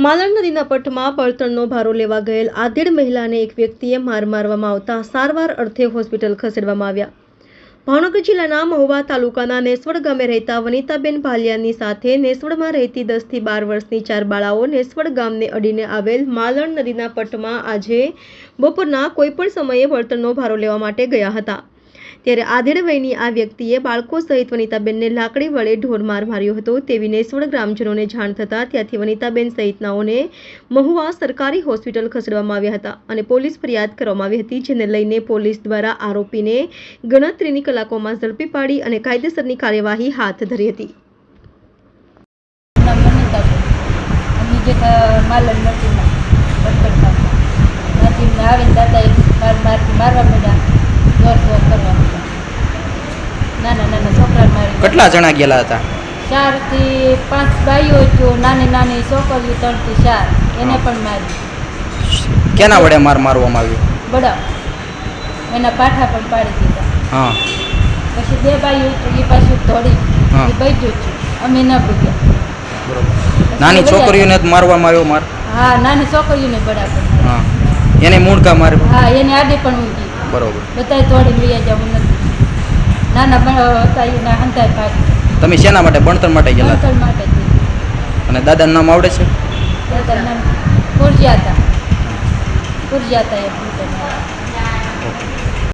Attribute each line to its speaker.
Speaker 1: માલણ નદીના પટમાં બળતણનો ભારો લેવા ગયેલ આધેડ મહિલાને એક વ્યક્તિએ મારવામાં આવતા સારવાર અર્થે હોસ્પિટલ ખસેડવામાં આવ્યા. ભાવનગર જિલ્લાના મહુવા તાલુકાના નેસવડ ગામે રહેતા વનિતાબેન ભાલિયાની સાથે નેસવડમાં રહેતી 10 થી 12 વર્ષની 4 બાળાઓ નેસવડ ગામને અડીને આવેલ માલણ નદીના પટમાં આજે બપોરના કોઈપણ સમયે બળતણનો ભારો લેવા માટે ગયા હતા. ત્યારે આધેડ વયની આ વ્યક્તિએ બાળકો સહિત વનિતાબેનને લાકડી વડે ઢોરમાર માર્યો હતો તેવી નેસવડ ગ્રામજનોને જાણ થતાં ત્યાંથી વનિતાબેન સહિતનાઓને મહુવા સરકારી હોસ્પિટલ ખસેડવામાં આવ્યા હતા અને પોલીસ ફરિયાદ કરવામાં આવી હતી, જેને લઈને પોલીસ દ્વારા આરોપીને ગણતરીની કલાકોમાં ઝડપી પાડી અને કાયદેસરની કાર્યવાહી હાથ ધરી હતી.
Speaker 2: કેટલા જણા ગયેલા હતા?
Speaker 3: 4 થી 5 બાઈઓ હતો, નાની નાની છોકરીઓ 3 થી 4 એને પણ મારી.
Speaker 2: કેના વડે મારવામાં આવ્યું?
Speaker 3: બડા એના પાઠા પણ પાડી દીધા.
Speaker 2: હા.
Speaker 3: પછી 2 બાઈઓ હતો એ પાછું દોડી એ બચ્યું છે, અમે ન ભૂગ્યા.
Speaker 2: બરોબર. નાની છોકરીઓને મારવામાં આવ્યો માર?
Speaker 3: હા, નાની છોકરીઓને બરાબર.
Speaker 2: હા. એને મૂળકા માર્યો?
Speaker 3: હા, એને આડે પણ ઊંઘી.
Speaker 2: બરોબર.
Speaker 3: બધાય તોડી લઈ જવું નથી. નાના હતા એના હંતાય પાડી.
Speaker 2: તમે શેના માટે? ભણતર માટે ગયેલા?
Speaker 3: ભણતર માટે.
Speaker 2: અને દાદાનું નામ આવડે છે?
Speaker 3: દાદાનું નામ કુરજિયા હતા એ ભણતર.